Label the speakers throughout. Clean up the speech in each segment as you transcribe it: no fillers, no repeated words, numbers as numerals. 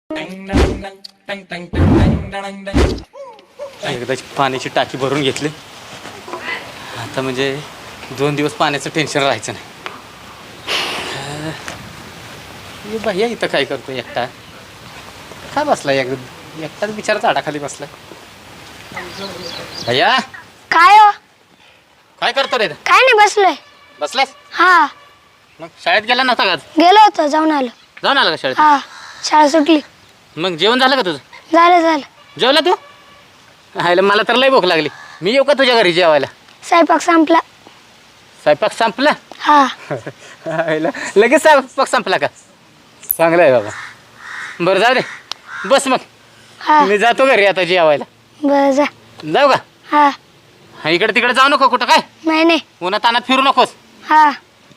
Speaker 1: एकदाची पाण्याची टाकी भरून घेतली आता म्हणजे 2 दिवस पाण्याचं टेन्शन राहायचं नाही. भैया इथं काय करतो एकटा काय बसलाय एकटाच बिचारा झाडाखाली बसलाय. भैया
Speaker 2: काय हो?
Speaker 1: काय करतो रे?
Speaker 2: काय नाही बसलोय.
Speaker 1: बसलास?
Speaker 2: हा.
Speaker 1: मग शाळेत गेला नव्हता का?
Speaker 2: गेलो होतो जाऊन आलो.
Speaker 1: जाऊन आला का शाळेत?
Speaker 2: हा शाळा सुटली.
Speaker 1: मग जेवण झालं का तुझं?
Speaker 2: झालं. जेवला
Speaker 1: तू? हायला मला तर लय भूक लागली. मी येऊ का तुझ्या घरी जेवायला?
Speaker 2: स्वयंपाक संपला.
Speaker 1: स्वयंपाक संपला?
Speaker 2: हा.
Speaker 1: हायला लगेच स्वयंपाक संपला का? चांगलं आहे बाबा. बरं जाऊ दे बस मग.
Speaker 2: हा.
Speaker 1: मी जातो घरी आता जेवायला.
Speaker 2: बरं जा.
Speaker 1: जाऊ का?
Speaker 2: हा.
Speaker 1: इकडे तिकडे जाऊ नको कुठं काय?
Speaker 2: नाही.
Speaker 1: उन्हात तानात फिरू नकोस.
Speaker 2: हा.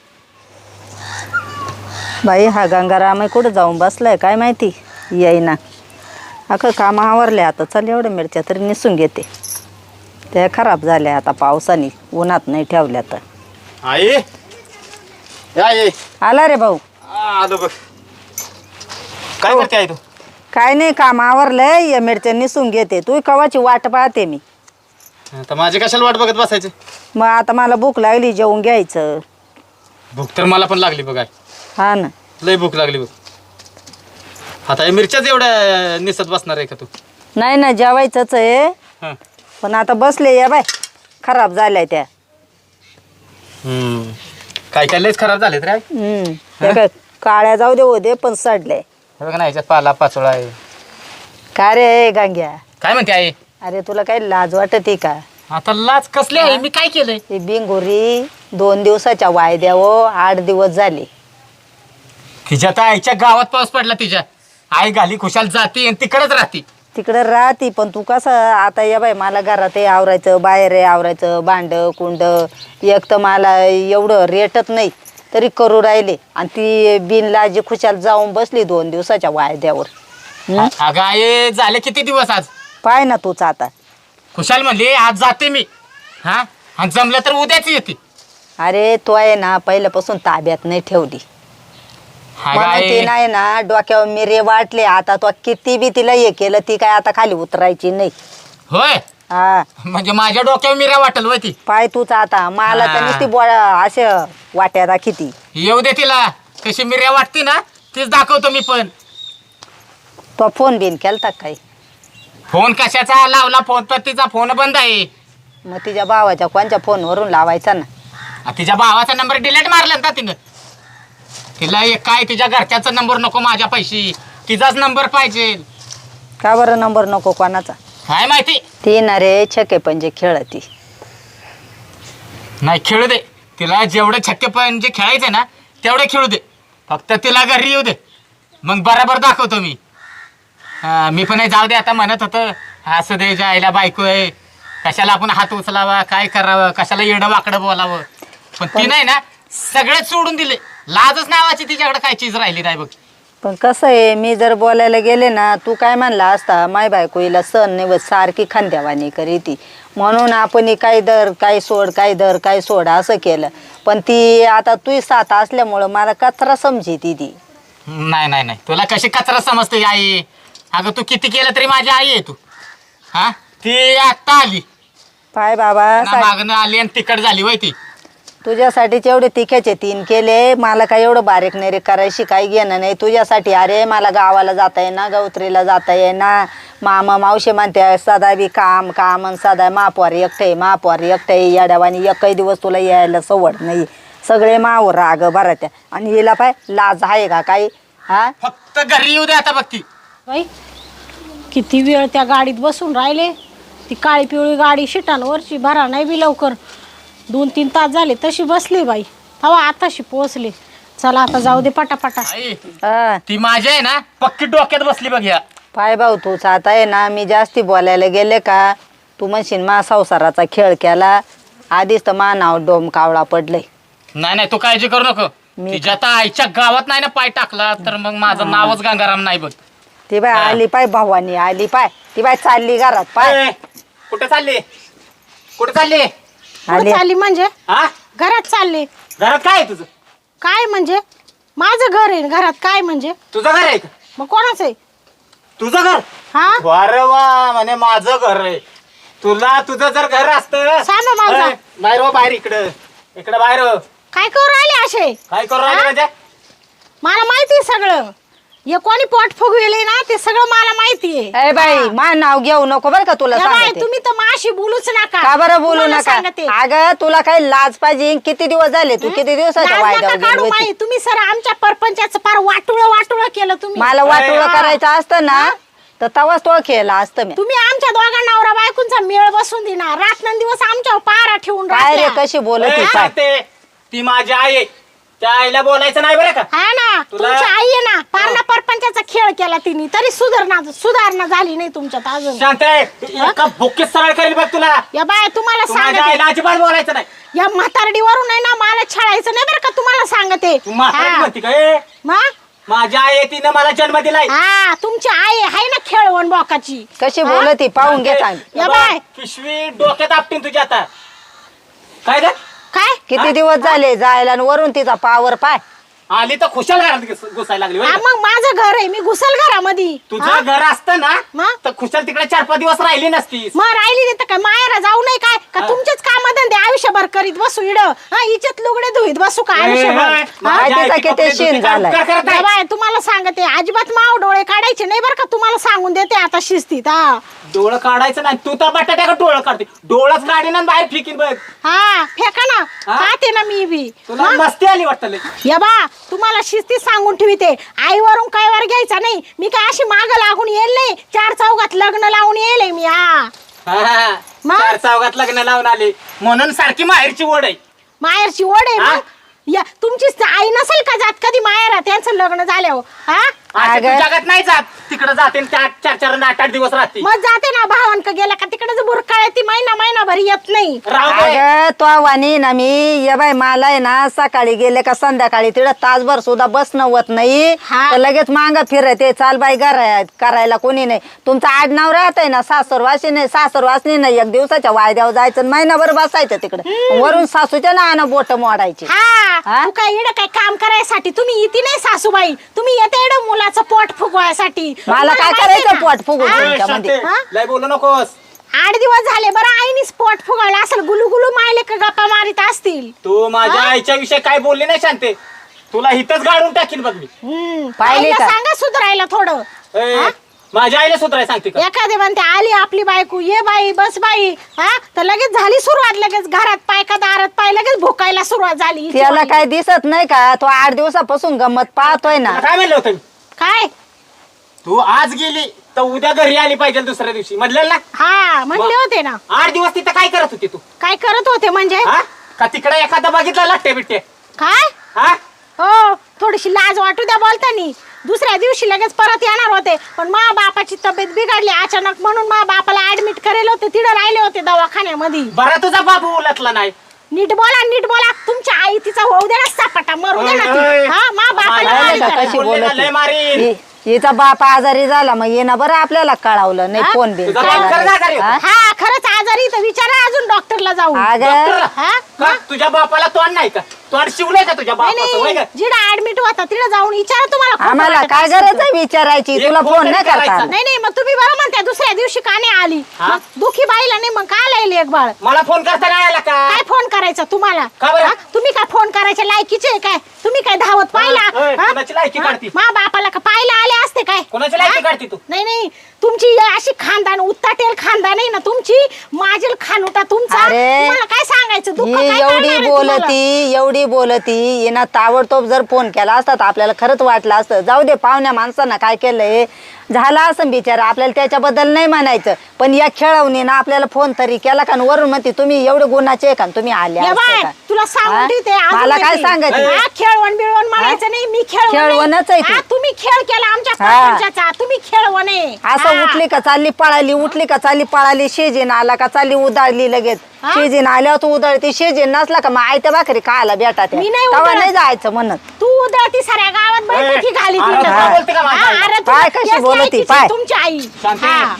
Speaker 3: बाई हा गंगाराम कुठं जाऊन बसलाय काय माहिती येईना. अगं काम आवरले आता चल एवढ्या मिरच्या तरी निसून घेते. त्या खराब झाल्या आता पावसाने उन्हात नाही ठेवल्या तर.
Speaker 1: आई आई
Speaker 3: आला रे भाऊ.
Speaker 1: आलो बघ. काय करते आई तू?
Speaker 3: काय नाही काम आवरलंय या मिरच्या निसून घेते. तू कवाची वाट पाहते मी.
Speaker 1: आता माझी कशाला वाट बघत बसायची?
Speaker 3: मग आता मला भूक लागली जेवून घ्यायचं.
Speaker 1: भूक तर मला पण लागली बघ.
Speaker 3: हा ना
Speaker 1: लय भूक लागली बघ. आता या मिरच्याच एवढ्या निसत बसणार आहे का तू?
Speaker 3: नाही ना जेवायचंच आहे
Speaker 1: हं.
Speaker 3: पण आता बसले या बाय खराब झाल्या त्या.
Speaker 1: काय काय लयच खराब झालेत रे आई.
Speaker 3: त्या काय काळ्या जाऊ दे होते पण सडले.
Speaker 1: हे बघ ना ह्याच्यात पाला पाचोळा आहे.
Speaker 3: का रे गांग्या
Speaker 1: काय म्हणते आई?
Speaker 3: अरे तुला काही लाज वाटते का?
Speaker 1: आता लाज कसली आहे? मी काय केलंय?
Speaker 3: ही बिंगोरी 2 दिवसाच्या वायद्यावर 8 दिवस झाले.
Speaker 1: तिच्या तर आईच्या गावात पाऊस पडला. तिच्या आई घाली खुशाल जाते आणि तिकडेच राहते.
Speaker 3: तिकडं राहती पण तू कसं आता या बाई मला घरात आवरायचं बाहेर आवरायचं भांड कुंड एक तर मला एवढं रेटत नाही तरी करू राहिले आणि ती बिनलाजी खुशाल जाऊन बसली 2 दिवसाच्या वायद्यावर.
Speaker 1: अगं आई झाले किती दिवस आज?
Speaker 3: पाय ना तूच आता.
Speaker 1: खुशाल म्हणली आज जाते मी. हा आणि जमलं तर उद्याच येते.
Speaker 3: अरे तो आहे ना पहिल्यापासून ताब्यात नाही ठेवली म्हणून ती नाही ना डोक्यावर मिरे वाटले. आता तो किती बी तिला हे केलं ती काय आता खाली उतरायची नाही.
Speaker 1: होय
Speaker 3: हा
Speaker 1: म्हणजे माझ्या डोक्यावर मिऱ्या वाटल होय ती.
Speaker 3: पाय तूच आता मला तर नुसती असे वाट्या दाखिती.
Speaker 1: येऊ दे तिला कशी मिऱ्या वाटते ना तीच दाखवतो मी पण.
Speaker 3: तो फोन बिन केलता काही?
Speaker 1: फोन कशाचा लावला? फोन तर तिचा फोन बंद आहे.
Speaker 3: मग तिच्या भावाच्या कोणच्या फोनवरून लावायचा ना.
Speaker 1: तिच्या भावाचा नंबर डिलीट मारला ना तिनं. तिला काय तिच्या घरच्याचा नंबर नको माझ्या पैशी तिचाच नंबर पाहिजे.
Speaker 3: का बरं नंबर नको कोणाचा?
Speaker 1: काय माहिती.
Speaker 3: ती ना रे छके पंजे खेळती.
Speaker 1: नाही खेळू दे तिला जेवढे छक्के पंजे खेळायचे ना तेवढे खेळू दे. फक्त तिला घरी येऊ दे मग बरोबर दाखवतो मी. मी पण जाऊ दे आता म्हणत होतं असं दे जायला बायको आहे कशाला आपण हात उचलावा काय करावं कशाला येडं वाकडं बोलावं. पण ती नाही ना सगळेच सोडून दिले. लाजच नावाची तिच्याकडे काय चीज राहिली नाही बघ.
Speaker 3: पण कसं आहे मी जर बोलायला गेले ना तू काय म्हणला असता माय बायको हिला सण नाही सारखी खांद्यावानी करी ती म्हणून आपण काय दर काय सोड काय दर काय सोड असं केलं. पण ती आता तू साथ असल्यामुळं मला कचरा समजी ती.
Speaker 1: नाही तुला कशी कचरा समजते आई? अगं तू किती केलं तरी माझी आई आहे तू. हा ती आत्ता आली
Speaker 3: पाय बाबा
Speaker 1: मागणं आली आणि तिकड झाली वय ती.
Speaker 3: तुझ्यासाठीच एवढे तिख्याचे 3 केले. मला काय एवढं बारीक नाही रे करायची काही घेणं नाही तुझ्यासाठी. अरे मला गावाला जाता येईना गौत्रीला जाता येईना. मामा मावशी म्हणते सदा बी काम काम आणि सदा महापौर एकटे येड्यावानी एकही दिवस तुला यायला सवड नाही. सगळे मावर राग बरं त्या आणि हिला पाय लाज आहे का काही? हा
Speaker 1: फक्त घरी येऊ दे आता बघ ती.
Speaker 4: बाई किती वेळ त्या गाडीत बसून राहिले. ती काळी पिवळी गाडी शिटांवरची भरा नाही बी लवकर 2-3 तास झाले तशी बसली बाई. तेव्हा आताशी पोहोचले. चला आता जाऊ दे पटापटा.
Speaker 1: ती माझ्या आहे ना पक्की डोक्यात बसली बघ. या
Speaker 3: पाय भाऊ तूच आता आहे ना मी जास्ती बोलायला गेले का तू म्हणशील मा संसाराचा खेळ केला. आधीच तर मा नाव डोम कावळा पडलंय.
Speaker 1: नाही तू काळजी करू नको. तिच्या आता आईच्या गावात नाही ना पाय टाकला तर मग माझं नावच गंगाराम नाही बघ.
Speaker 3: ती बाय आली पाय भावानी आली पाय ती बाय चालली घरात पाय.
Speaker 1: कुठे चालली? कुठे चालली?
Speaker 3: आली
Speaker 4: चालली म्हणजे
Speaker 1: हा
Speaker 4: घरात चालले.
Speaker 1: घरात काय आहे तुझं?
Speaker 4: काय म्हणजे माझं घर आहे घरात काय म्हणजे?
Speaker 1: तुझं घर आहे का?
Speaker 4: मग कोणाचं आहे?
Speaker 1: तुझं घर
Speaker 4: हा
Speaker 1: अरे वा म्हणे माझं घर आहे. तुला तुझं जर घर असतं
Speaker 4: सांग ना माझं.
Speaker 1: बाहेर हो, बाहेर इकडं बाहेर हो.
Speaker 4: काय करू राहिले असे?
Speaker 1: काय करू राहिले
Speaker 4: हा?
Speaker 1: म्हणजे
Speaker 4: मला माहिती सगळं. हे कोणी पोट फुगविले ना ते सगळं मला माहितीये.
Speaker 3: ए बाई मा नाव घेऊ नको बरं का तुला
Speaker 4: या बाई,
Speaker 3: सांगते.
Speaker 4: तुम्ही तर माशी बोलूच नका.
Speaker 3: का बरं बोलू
Speaker 4: तुम्हाला
Speaker 3: नका?
Speaker 4: सांगते.
Speaker 3: अगं तुला काही लाज पाहिजे. किती दिवस झाले तू किती दिवसाच्या
Speaker 4: लाज
Speaker 3: वायद्यावर
Speaker 4: नका
Speaker 3: गेली
Speaker 4: काढू
Speaker 3: होती?
Speaker 4: माई. तुम्ही सर आमच्या परपंचाचं फार वाटुळ केलं तुम्ही.
Speaker 3: मला वाटोळं
Speaker 1: हा.
Speaker 3: करायचं असतं ना तर तवाच तो खेळला असतं मी.
Speaker 4: तुम्ही आमच्या दोघा नवरा बायकोंचा मेळ बसून देणार. रात्रंदिवस आमच्यावर पारा ठेवून
Speaker 3: काय रे
Speaker 4: राहत्या.
Speaker 3: कशी बोलत
Speaker 1: ए,
Speaker 3: होती काय?
Speaker 1: सांगते, ती माझी आई आहे. त्या आईला बोलायचं नाही बरं का.
Speaker 4: हा ना
Speaker 1: तुला-
Speaker 4: तुमची आई आहे ना पारणा परपंचाचा खेळ केला तिने तरी सुधारणा झाली नाही तुमच्यात अजून.
Speaker 1: शांत एका भुकीत सरळ करेल बघ तुला.
Speaker 4: या बाय तुम्हाला
Speaker 1: तू माझ्या
Speaker 4: सांगते
Speaker 1: आईला अजिबात बोलायचं नाही.
Speaker 4: या म्हातारडीवरून आहे ना मला छळायचं नाही बरं का तुम्हाला सांगते.
Speaker 1: तू म्हातारी
Speaker 4: हा.
Speaker 1: म्हणती का ए?
Speaker 4: मग?
Speaker 1: माझी आई आहे, तिनं मला जन्म दिलाय.
Speaker 4: हा तुमची आई आहे ना खेळवण बोकाची.
Speaker 3: कशी
Speaker 4: हा?
Speaker 3: बोलत ती पाहून घे चांगली.
Speaker 4: या
Speaker 1: बघ,
Speaker 4: बाय.
Speaker 1: पिशवी डोक्यात आपटीन तुझ्या आता. काय ग
Speaker 4: काय
Speaker 3: किती दिवस झाले जायला आणि वरून तिचा पावर पाय.
Speaker 1: आली तर खुशाल घरात घुसायला लागली होय
Speaker 4: हा,
Speaker 1: का?
Speaker 4: मग माझं घर आहे मी घुसल घरामध्ये.
Speaker 1: तुझं घर असतं ना
Speaker 4: मग?
Speaker 1: तर खुशाल तिकडे 4-5 दिवस राहिली नसतीस.
Speaker 4: मग राहिली नाही तर काय मायरा जाऊ नाही काय का
Speaker 1: हा.
Speaker 4: तुमचेच काम धंदे आयुष्यभर करीत बसू इड हिच्यात लुगडे धुईत बसू का
Speaker 1: ए,
Speaker 4: आयुष्यभर.
Speaker 1: ए,
Speaker 4: हा?
Speaker 1: माझ्या
Speaker 3: तिचा
Speaker 1: आईचे
Speaker 3: किती
Speaker 1: कपडे
Speaker 3: शीण
Speaker 1: धुते, काय
Speaker 3: झालाय.
Speaker 1: उपकार करत
Speaker 4: या
Speaker 1: आहे?
Speaker 4: बाय तुम्हाला सांगते अजिबात माव डोळे काढायचे नाही बरं का तुम्हाला सांगून देते आता शिस्तीत. हा
Speaker 1: डोळं काढायचं नाही. तू तर बटाट्या का डोळं काढते. डोळंच काढीन आणि बाहेर फेकीन बघ.
Speaker 4: हा फेका ना
Speaker 1: हा?
Speaker 4: खाते ना मी बी.
Speaker 1: तुला
Speaker 4: मग?
Speaker 1: मस्ती आली वाटतं लय.
Speaker 4: या बा तुम्हाला शिस्तीत सांगून ठेवते आईवरून काय वर घ्यायचा नाही. मी काय अशी माग लागून येईल नाही. 4 चौघात लग्न लावून येईल मी. हा
Speaker 1: हा,
Speaker 4: मग?
Speaker 1: 4 चौघात लग्न लावून आले म्हणून सारखी माहेरची ओढ आहे.
Speaker 4: माहेरची ओढ आहे
Speaker 1: हा?
Speaker 4: मग. या तुमची आई नसेल का जात कधी माहेर त्यांचं लग्न झाल्यावर. हा
Speaker 1: असं तू
Speaker 3: अगं.
Speaker 1: जगात नाही जात. तिकडे जाते 4-4 आणि 8-8 दिवस राहते.
Speaker 4: मग जाते ना भावांक गेला का तिकडे बुरकाळ ती महिनाभर येत नाही.
Speaker 1: राहू दे.
Speaker 3: अगं तो वाणी ना मी ये बाय मला आहे ना सकाळी गेले का संध्याकाळी तिकडं तासभर सुद्धा बसणं होत नाही.
Speaker 4: हा.
Speaker 3: तर लगेच मांग फिरते चाल बाई करायला कोणी नाही. तुमचं आडनाव राहत आहे ना सासरवासी नाही सासरवासनी नाही. 1 दिवसाच्या वायद्यावर जायचं आणि महिनाभर बसायचं तिकडे वरून सासूच्या ना बोट मोडायची.
Speaker 4: हा
Speaker 3: हा?
Speaker 4: तू काय इड काय काम करायसाठी तुम्ही इथे नाही सासूबाई. तुम्ही येते इड मुलाचं पोट फुगवायसाठी.
Speaker 3: मला काय
Speaker 4: तुम्हाला
Speaker 3: करायचं
Speaker 4: माहिती
Speaker 3: पोट फुगवून?
Speaker 4: हा?
Speaker 1: ए,
Speaker 3: तुमच्यामध्ये.
Speaker 1: शांते,
Speaker 4: हा?
Speaker 1: लय बोलू नकोस.
Speaker 4: 8 दिवस झाले बरं आईनी स्पॉट फुगावला असेल गुलू मायले का गप्पा मारित असतील.
Speaker 1: तू माझ्या
Speaker 4: हा?
Speaker 1: आईच्या विषयी काय बोलली नाही शांते. तुला हिथच गाडून टाकीन बघ मी.
Speaker 3: पाहिली
Speaker 4: आईला
Speaker 3: का?
Speaker 4: सांगा सुधारायला थोडं.
Speaker 1: ए,
Speaker 4: हा?
Speaker 1: माझ्या आईला सुधाराय सांगते का?
Speaker 4: एखादे म्हणते आली आपली बायको ये बाई बस बाई. हा तर लगेच झाली सुरुवात. लगेच घरात पाय का दारात पाय लगेच भुकायला सुरुवात झाली हिची
Speaker 3: त्याला
Speaker 4: बाई.
Speaker 3: काय दिसत नाही का तो 8 दिवसापासून गंमत पाहतोय ना.
Speaker 1: तुला काय म्हणलं होतं मी?
Speaker 4: काय
Speaker 1: तू आज गेली तर उद्या घरी आली पाहिजे दुसऱ्या दिवशी म्हटलं ना.
Speaker 4: हा म्हणले होते ना.
Speaker 1: 8 दिवस तिथं काय करत होती तू?
Speaker 4: काय करत होते म्हणजे
Speaker 1: हा का तिकडे एखादा बघितला लट्टे बिट्टे?
Speaker 4: काय
Speaker 1: हा
Speaker 4: हो थोडीशी लाज वाटू द्या बोलतानी. दुसऱ्या दिवशी लगेच परत येणार होते पण मा बापाची तब्येत बिघडली अचानक म्हणून मा बापाला ऍडमिट करेल होते. तिथं राहिले होते दवाखान्यामध्ये.
Speaker 1: बरा तुझा बाबू उलटला नाही.
Speaker 4: नीट बोला तुमच्या आई तिचा होऊ दे ना सापाटा मरू दे ना ती. हा मा बापाला
Speaker 1: माय,
Speaker 4: मारी
Speaker 3: का
Speaker 4: करा.
Speaker 3: कशी
Speaker 1: बोलले ना,
Speaker 3: बोलत
Speaker 1: लय मारीन.
Speaker 3: हिचा बाप आजारी झाला मग ये ना बरं आपल्याला कळवलं नाही.
Speaker 4: हा?
Speaker 3: फोन बिन
Speaker 1: तुझा
Speaker 3: केला
Speaker 1: बाप खरंच
Speaker 3: नाही.
Speaker 1: आजारी होता?
Speaker 3: हा?
Speaker 4: हा खरंच आजारी तर विचारा अजून डॉक्टरला जाऊन.
Speaker 3: अगं
Speaker 1: डॉक्टरला?
Speaker 4: हा?
Speaker 1: का? तुझ्या बापाला तोंड नाही का? तोंड शिवलंय का तुझ्या
Speaker 4: नाही
Speaker 1: बापाचं होय
Speaker 4: नाही
Speaker 1: का?
Speaker 4: जिडा ऍडमिट होता तिला जाऊन विचारा तुम्हाला खोटं
Speaker 3: आम्हाला
Speaker 4: वाटत
Speaker 3: काय
Speaker 4: असेल
Speaker 3: गरज
Speaker 4: तर.
Speaker 3: आहे विचारायची
Speaker 1: एक
Speaker 3: तुला
Speaker 1: फोन
Speaker 3: फोन
Speaker 1: तरी
Speaker 3: नाही करता
Speaker 1: करायचा.
Speaker 3: आला.
Speaker 4: नाही नाही मग तुम्ही बरं म्हणता दुसऱ्या दिवशी का नाही आली.
Speaker 1: हा?
Speaker 4: मग दुखी बाईला नाही मग का लायली एक बाळ.
Speaker 1: मला फोन करता नाही आला का?
Speaker 4: काय फोन करायचा तुम्हाला.
Speaker 1: का बरं?
Speaker 4: हा? तुम्ही काय फोन करायच्या लायकीचे आहे काय. तुम्ही काय धावत पाहिला.
Speaker 1: ओय,
Speaker 4: हा?
Speaker 1: कोणाची लायकी
Speaker 4: हा?
Speaker 1: काढती?
Speaker 4: मा बापाला का पाहायला आले असते काय.
Speaker 1: कोणाची लायकी
Speaker 4: हा?
Speaker 1: काढती तू?
Speaker 4: नाही नाही तुमची अशी खानदान उत्ताटेल खानदान आहे ना तुमची. माझील खानुटा तुमचा.
Speaker 3: अरे,
Speaker 4: तुम्हाला काय सांगायचं दुःख
Speaker 3: ही
Speaker 4: काय करणार
Speaker 3: एवढी
Speaker 4: आहे तुम्हाला?
Speaker 3: एवढी बोलती येणं ताबडतोब जर फोन केला असता तर आपल्याला खरंच वाटलं असतं. जाऊ दे पाहुण्या माणसांना काय केलंय झाला असं बिचारा आपल्याला त्याच्याबद्दल नाही म्हणायचं पण या खेळवणीनं आपल्याला फोन तरी केला का वरून म्हणते तुम्ही एवढे गुणाचे आहे का तुम्ही आले
Speaker 4: या
Speaker 3: असते
Speaker 4: बाय,
Speaker 3: का?
Speaker 4: तुला सांगून
Speaker 3: हा?
Speaker 4: ठेवते, अजून
Speaker 3: मला काय
Speaker 4: येते.
Speaker 3: सांगायचं?
Speaker 4: हा, खेळवण बिळवण म्हणायचं नाही. मी
Speaker 3: खेळवणच आहे ती.
Speaker 4: तुम्ही खेळ केला आमच्या
Speaker 3: हा.
Speaker 4: सरपंचाचा. तुम्ही खेळवण आहे.
Speaker 3: असं
Speaker 4: हा.
Speaker 3: उठली का चालली पळाली उठली का चालली पळाली शेजीन आला का चालली उदाळली लगेच.
Speaker 4: हा?
Speaker 3: शेजीन आल्यावर तू उधळती शेजीन नसला का मग आयत्या भाकरी खायला भेटा
Speaker 4: मी नाही
Speaker 3: तेव्हा
Speaker 4: उधळत.
Speaker 3: नाही जायचं म्हणत.
Speaker 4: तू उधळती साऱ्या गावात बैठकी घाली
Speaker 1: अरे,
Speaker 4: तिथं.
Speaker 1: काय बोलते का माझी
Speaker 4: हा,
Speaker 1: आई?
Speaker 4: अरे,
Speaker 3: पाय
Speaker 4: तुला
Speaker 3: कशी
Speaker 4: याच
Speaker 3: बोलती,
Speaker 4: लायकीची
Speaker 3: पाय.
Speaker 4: तुमची आई.
Speaker 1: शांती
Speaker 4: हा.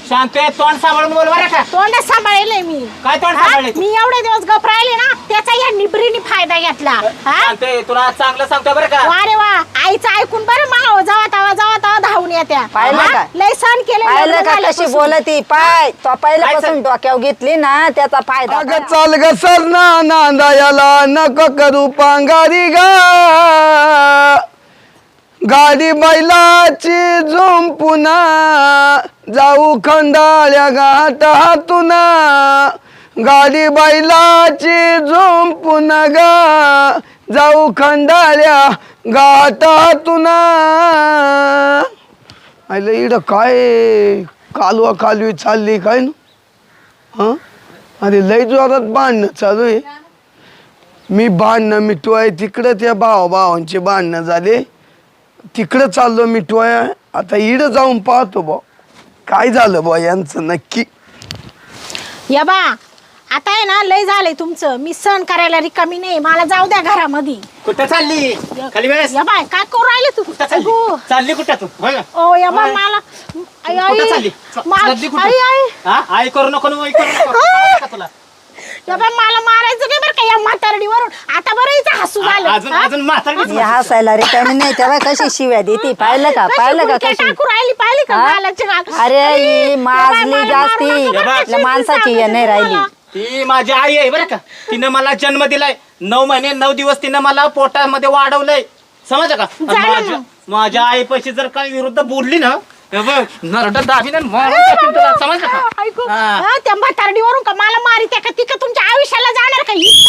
Speaker 1: शांते तोंड सांभाळून बोल बरं का.
Speaker 4: तोंड सांभाळले मी.
Speaker 1: काय तोंड
Speaker 4: हा?
Speaker 1: सांभाळले तू?
Speaker 4: मी एवढे दिवस गप राहिले ना त्याचा या निबरीने फायदा घेतला. हा?
Speaker 1: शांते तुला चांगलं सांगतो बरं का.
Speaker 4: वा रे वा, आईचं ऐकून बरं माव जावा तवा धावून येत्या.
Speaker 3: पाहिलं
Speaker 4: हा?
Speaker 3: का?
Speaker 4: लय सण केले
Speaker 3: पाहिलं
Speaker 4: लग्न
Speaker 3: का कशी
Speaker 4: झाल्यापासून.
Speaker 3: बोलती पाय तो पहिल्यापासून डोक्यावर घेतली ना त्याचा फायदा
Speaker 5: अगं चाल ग सरना नांदायाला नको करू पांगारी गा गाडी बैलाची झुंपुना जाऊ खंडाळ्या घाटातून गाडी बैलाची झुंपुना गा जाऊ खंडाळ्या घाटातून आईला इड काय कालवा कालवी चालली काय ना हं अरे लय जोरात भांडणं चालू आहे. मी भांडणं मिटवाय तिकडं त्या भावांचे भांडणं झाले तिकडं चाललो मिटवाय. आता इड जाऊन पाहतो बा काय झालं बा यांचं नक्की.
Speaker 4: या बा आता आहे ना लय झालंय तुमचं. मी सण करायला रिकामी नाही. मला जाऊ द्या घरामध्ये.
Speaker 1: कुठं चालली खाली वेळेस
Speaker 4: या बाय काय करू राहिले तू?
Speaker 1: कुठं चालली
Speaker 4: अगो.
Speaker 1: चालली कुठं तू होय का?
Speaker 4: ओ या बा
Speaker 1: होय.
Speaker 4: मला आई
Speaker 1: कुठं चालली चालली कुठं? हा? आई करू नको ना, आई करू नको. कळलं का तुला
Speaker 4: या बा मला मारायचं नाही बरं का या म्हातारडीवरून. आता बरं हिचं हसू झालं.
Speaker 1: अजून
Speaker 4: हा?
Speaker 1: अजून म्हातारडीच
Speaker 3: हे हसायला रिकामी नाही तेव्हा कशी शिव्या देती पाहिलं का
Speaker 4: कशी
Speaker 3: पाहिलं का
Speaker 4: गुडघ्या
Speaker 3: कशी
Speaker 4: टाकू राहिली पाहिली का
Speaker 3: हा?
Speaker 4: गालाची गाल.
Speaker 3: अरे ही
Speaker 4: या बाई,
Speaker 3: माजली
Speaker 4: मला
Speaker 3: जास्ती
Speaker 4: मारू नका बरं का,
Speaker 3: आपल्या माणसाची
Speaker 4: सांगते
Speaker 3: हे नाही राहिली.
Speaker 4: तुम्हाला.
Speaker 1: ती माझी आई आहे बरं का. तिनं मला जन्म दिलाय 9 महिने 9 दिवस तिनं मला पोटामध्ये वाढवलंय समजा का. आणि
Speaker 4: झालं मग.
Speaker 1: माझ्या आईपाशी जर काही विरुद्ध बोलली ना हे बघ नरडं दाबीन आणि मारून टाकीन तुला, समजलं का.
Speaker 4: ऐकू
Speaker 1: हा.
Speaker 4: हा, त्या म्हातारडीवरून का मला मारी त्या का ती का तुमच्या आयुष्याला जाणार का ही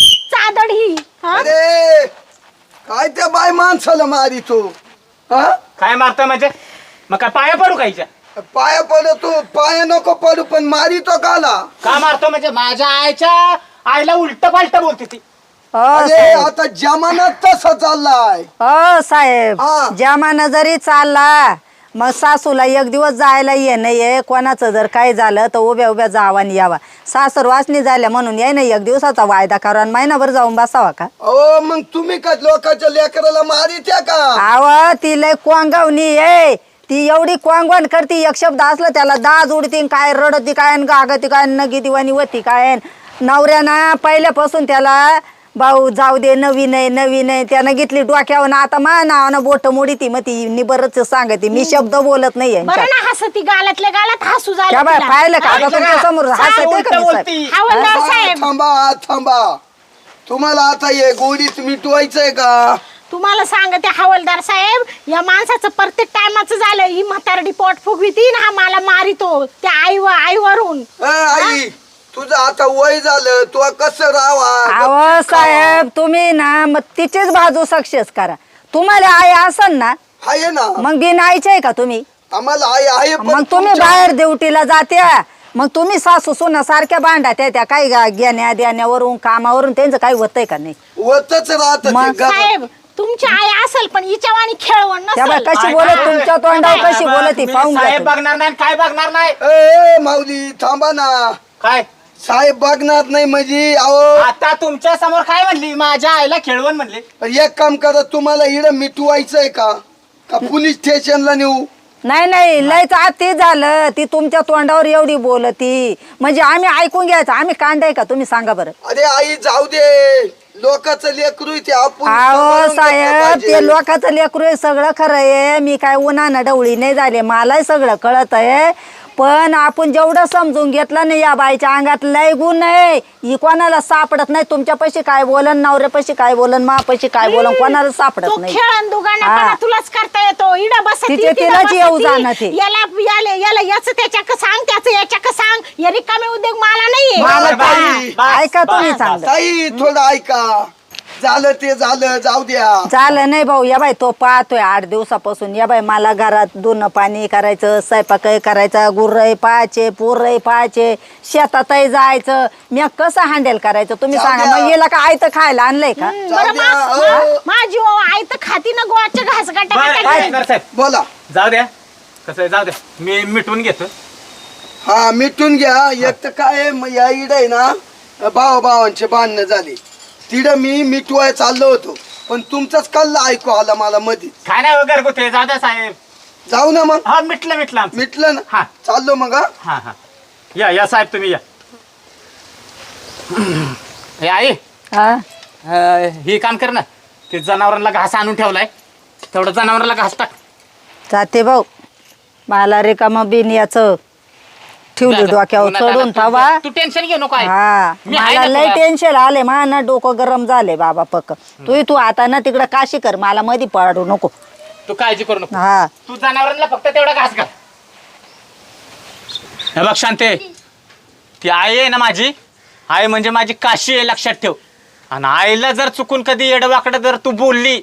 Speaker 4: चादड ही हा?
Speaker 5: अरे काय त्या बाय माणसाला मारी तू हा
Speaker 1: काय मारतोय म्हणजे मग काय पाया पडू कायच्या.
Speaker 5: पाया पडू तू पाया नको पडू पण मारी तो काला.
Speaker 1: का मारतो म्हणजे माझ्या आईला उलट पालट बोलते ती.
Speaker 3: हो
Speaker 5: अरे
Speaker 3: साहेब
Speaker 5: आता जमानात तसा चाललाय.
Speaker 3: हो साहेब
Speaker 5: हा.
Speaker 3: जमाना जरी चालला मग सासूला एक दिवस जायला ये नाही कोणाचं जर काय झालं तर उभ्या उभ्या जावानी यावा. सासर वासनी झाल्या म्हणून याय ना एक दिवसाचा वायदा करा आणि महिनाभर जाऊन बसावा का.
Speaker 5: ओ मग तुम्ही का लोकांच्या लेकराला मारित्या का.
Speaker 3: आव ती लय कोंगावणी आहे. ती एवढी कोंगवण करती एक शब्द असलं त्याला दाज उडती काय रडती काय गागती काय नगी दिवाणी होती काय. नवऱ्यानं पहिल्यापासून त्याला भाऊ जाऊ दे नवीन आहे त्यानं घेतली डोक्यावर. आता मा नावानं बोट मोडी ती मग ती निबरच सांगते मी शब्द बोलत नाही
Speaker 4: बरं ना हसती गालातल्या गालात हसू झालं
Speaker 3: त्या बाय
Speaker 4: तिला.
Speaker 3: पाहिलं का आता
Speaker 1: पाहिलं
Speaker 3: तुमच्या
Speaker 1: का?
Speaker 3: समोर
Speaker 1: काय
Speaker 3: हसते
Speaker 1: उलटं
Speaker 3: का मी साहेब?
Speaker 1: बोलती.
Speaker 4: हवालदार साहेब
Speaker 5: थांबा तुम्हाला आता हे गोडीत मिटवायचंय का.
Speaker 4: तुम्हाला सांगते हवालदार साहेब या माणसाचं प्रत्येक टायमाचं झालं. ही म्हातारडी पोट फुगविती ना हा मला मारितो त्या आईवरून.
Speaker 5: आई तुझं आता वय झालं तू कसं राहावा.
Speaker 3: अहो साहेब तुम्ही ना मग तिचीच बाजू सक्सेस करा. तुम्हाला आई असन ना
Speaker 5: आहे ना
Speaker 3: मग बिन आईचे आहे का तुम्ही.
Speaker 5: आम्हाला आई आहे पण
Speaker 3: मग तुम्ही
Speaker 5: तुमच्या-
Speaker 3: बाहेर ड्युटीला जात्या मग तुम्ही सासू सुना सारख्या भांडा त्या काही घेण्या देण्यावरून कामावरून त्यांचं काही होतंय का नाही.
Speaker 5: होतच राहत
Speaker 3: मग
Speaker 4: साहेब तुमची आई असेल पण हिच्यावानी खेळवण
Speaker 3: त्या बाई
Speaker 4: नसेल.
Speaker 3: कशी बोलत तुमच्या तोंडावर कशी बोलत ती
Speaker 1: मी
Speaker 3: पाहून घ्या
Speaker 1: साहेब
Speaker 3: तुम्ही.
Speaker 1: बघणार नाही काय बघणार नाही.
Speaker 5: ए माऊली थांबा ना.
Speaker 1: काय
Speaker 5: साहेब बघणार नाही म्हणजे अहो
Speaker 1: आता तुमच्या समोर काय म्हणली माझ्या आईला खेळवण म्हणले.
Speaker 5: एक काम करा तुम्हाला इड मिटवायचंय का पोलीस स्टेशनला नेऊ.
Speaker 3: नाही लयच आती झालं. ती तुमच्या तोंडावर एवढी बोलती म्हणजे आम्ही ऐकून घ्यायचं. आम्ही कांडाय का तुम्ही सांगा बरं.
Speaker 5: अरे आई जाऊ दे लोकांचं लेकरू ते आपण
Speaker 3: अहो
Speaker 5: सांभाळून घेतलं
Speaker 3: साहेब
Speaker 5: पाहिजे.
Speaker 3: ते लोकांचं लेकरू आहे सगळं खरं आहे. मी काय उन्हानं डवळी नाही झाले मलाही सगळं कळत आहे. पण आपण जेवढं समजून घेतलं नाही या बाईच्या अंगात लय गुण आहे. ही कोणाला सापडत नाही. तुमच्यापाशी काय बोलन नवऱ्यापाशी काय बोलन मापाशी काय बोलन कोणाला
Speaker 4: तो
Speaker 3: सापडत नाही.
Speaker 4: खेळण दुगाना
Speaker 3: हा.
Speaker 4: तुलाच करता येतो. इडा बसती
Speaker 3: तिचे
Speaker 4: तिथं
Speaker 3: तिलाच येऊ
Speaker 4: बसती.
Speaker 3: जाणं ते.
Speaker 4: याला याचं त्याच्याक सांग त्याचं याच्याक सांग. या रिकामे उद्योग मला नाहीये.
Speaker 3: मला
Speaker 1: बस,
Speaker 3: ताई,
Speaker 1: बस,
Speaker 3: ऐका तुम्ही
Speaker 1: बस,
Speaker 3: चांगलं.
Speaker 5: ताई थोडं ऐका झालं ते झालं जाऊ द्या.
Speaker 3: झालं नाही भाऊ या बाई तो पाहतोय 8 दिवसापासून. या बाई मला घरात धुणं पाणी करायचं स्वयंपाकही करायचा गुर्रही पाहायचे पोरही पाहायचे शेतातही जायचं. मी कसं हँडल करायचं तुम्ही
Speaker 5: जाऊ
Speaker 3: सांगा.
Speaker 5: द्या.
Speaker 3: मग हिला काय आयतं खायला आणलंय का.
Speaker 4: बरं
Speaker 5: जाऊ द्या,
Speaker 4: माझी आई तर खाती ना गोवाच्या घास
Speaker 1: बरं,
Speaker 4: गाठा
Speaker 1: साहेब
Speaker 5: बोला.
Speaker 1: जाऊ द्या कसं आहे, जाऊ द्या मी मिटवून घेतो.
Speaker 5: हा मिटून घ्या. एक तर काय आहे, या इड आहे ना भावांचे भांडणं झाले तिथं मी मिटवाय चाललो होतो पण तुमचाच कल्ला ऐकू आला मला मध्ये.
Speaker 1: काय नाही वगैरे कुठे जाऊ द्या साहेब.
Speaker 5: जाऊ ना मग
Speaker 1: हा मिटलं आमचं.
Speaker 5: मिटलं ना
Speaker 1: हा.
Speaker 5: चाललो मग हा
Speaker 1: हा हा या साहेब तुम्ही या. हे आई
Speaker 3: हा
Speaker 1: हे काम कर ना, ते जनावरांना घास आणून ठेवलाय, तेवढं जनावरांना घास टाक.
Speaker 3: जाते भाऊ मला रिकामा बिन याचं ठेवली डोक्यावर
Speaker 1: उन्हात
Speaker 3: चढून
Speaker 1: आलं
Speaker 3: थावा
Speaker 1: तू टेन्शन घेऊ नको आई.
Speaker 3: हा
Speaker 1: मी आहे
Speaker 3: मला
Speaker 1: ना
Speaker 3: लय
Speaker 1: तुला.
Speaker 3: टेन्शन आले ना डोकं गरम झाले बाबा पक्क तू आता ना तिकडं काशी कर मला मध्ये पडू नको
Speaker 1: तू काळजी करू नको.
Speaker 3: हा
Speaker 1: तू जनावरांना फक्त तेवढा घास घाल. हे बघ शांते, ती आई आहे ना माझी, आई म्हणजे माझी काशी आहे, लक्षात ठेव. आणि आईला जर चुकून कधी येडवाकडं जर तू बोलली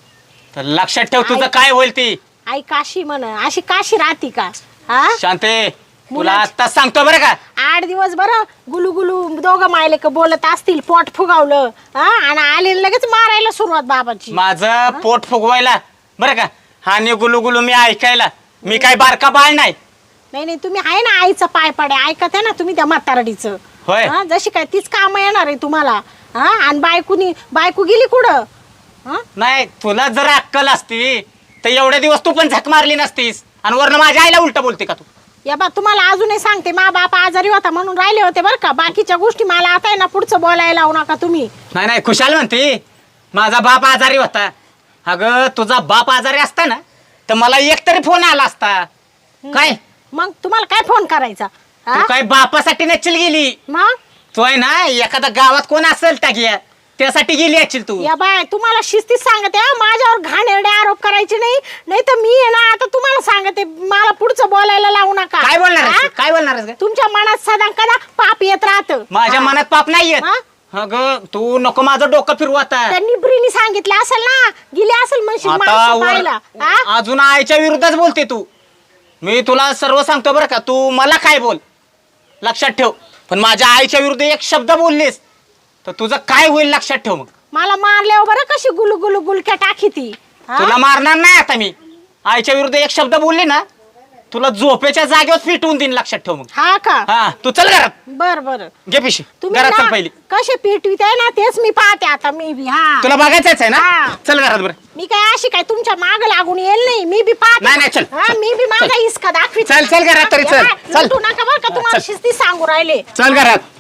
Speaker 1: तर लक्षात ठेव तुझं काय होईल ती.
Speaker 4: आई काशी म्हण, अशी काशी राहती का? हा
Speaker 1: शांते तुला आत्ताच सांगतो बरं का,
Speaker 4: 8 दिवस बरं गुलू गुलू दोघं मायले का बोलत असतील, पोट फुगावलं हा आणि आले लगेच मारायला सुरुवात बाबाची.
Speaker 1: माझं पोट फुगवायला बरं का, हा नि गुलू गुलू मी ऐकायला, मी काय बारका बाळ नाही.
Speaker 4: नाही नाही तुम्ही आहे ना आईचा पाय पाडे ऐकत आहे ना तुम्ही त्या म्हातारडीचं.
Speaker 1: होय.
Speaker 4: हा, जशी काय तीच काम येणार आहे तुम्हाला. हा आणि बायको गेली कुठं? हा
Speaker 1: नाही तुला जर अक्कल असती तर एवढे दिवस तू पण झक मारली नसतीस, आणि वरनं माझ्या आईला उलट बोलते का तू?
Speaker 4: या बा तुम्हाला अजूनही सांगते, मा बाप आजारी होता म्हणून राहिले होते बरं का, बाकीच्या गोष्टी मला आता आहे ना पुढचं बोलायला लावू नका तुम्ही.
Speaker 1: नाही नाही खुशाल म्हणते माझा बाप आजारी होता. अगं तुझा बाप आजारी असता ना तर मला एक तरी फोन आला असता. काय
Speaker 4: मग तुम्हाला काय फोन करायचा?
Speaker 1: तू
Speaker 4: हा
Speaker 1: काय बापासाठी नचल गेली?
Speaker 4: मग
Speaker 1: तू आहे ना एखादा गावात कोण असेल टाकिया त्यासाठी गेली असेल तू.
Speaker 4: या बाय तुम्हाला शिस्तीत सांगते हा, माझ्यावर घाणेरडे आरोप करायचे नाही, नाही तर मी आहे ना आता तुम्हाला सांगते, मला पुढचं बोलायला लावू नका.
Speaker 1: काय बोलणार आहेस?
Speaker 4: हा?
Speaker 1: काय बोलणार आहेस ग?
Speaker 4: तुमच्या मनात सदा कदा पाप येत राहतं.
Speaker 1: माझ्या
Speaker 4: हा.
Speaker 1: मनात पाप नाही येत.
Speaker 4: हा?
Speaker 1: अगं तू नको माझं डोकं फिरवू आता.
Speaker 4: त्यांनी ब्रीनी सांगितलं असेल ना, गेली असेल म्हणशील
Speaker 1: आता
Speaker 4: माणसं पाहायला. हा?
Speaker 1: अजून आईच्या विरुद्धच बोलते तू. मी तुला सर्व सांगतो बरं का, तू मला काय बोल लक्षात ठेव, पण माझ्या आईच्या विरुद्ध एक शब्द बोललीस तर तुझं काय होईल लक्षात ठेव. मग
Speaker 4: मला मारल्यावर बरं कशी गुलू गुलू गुलक्या टाकी ती. हा?
Speaker 1: तुला मारणार नाही आता मी. आईच्या विरुद्ध एक शब्द बोलली ना तुला झोपेच्या जागेवर पिटवून देईन, लक्षात ठेव. मग
Speaker 4: हा का?
Speaker 1: हा तू चल घरात,
Speaker 4: बर बर
Speaker 1: घे पिशी
Speaker 4: तुम्ही
Speaker 1: घरात चल
Speaker 4: ना
Speaker 1: पहिली.
Speaker 4: कसे पिटवीत आहे ना तेच मी पाहते आता मी बी. हा
Speaker 1: तुला बघायचंच आहे ना,
Speaker 4: हा.
Speaker 1: चल घरात बरं.
Speaker 4: मी काय अशी काय तुमच्या माग लागून येईल नाही, मी बी पाहते.
Speaker 1: नाही, नाही, चल.
Speaker 4: हा, मी बी माझा हिसका दाखवी.
Speaker 1: चल, चल घरात तरी, चल. चल.
Speaker 4: नका बरं का तुम्हाला
Speaker 1: चल.
Speaker 4: शिस्ती सांगू राहिले.
Speaker 1: चल घरात.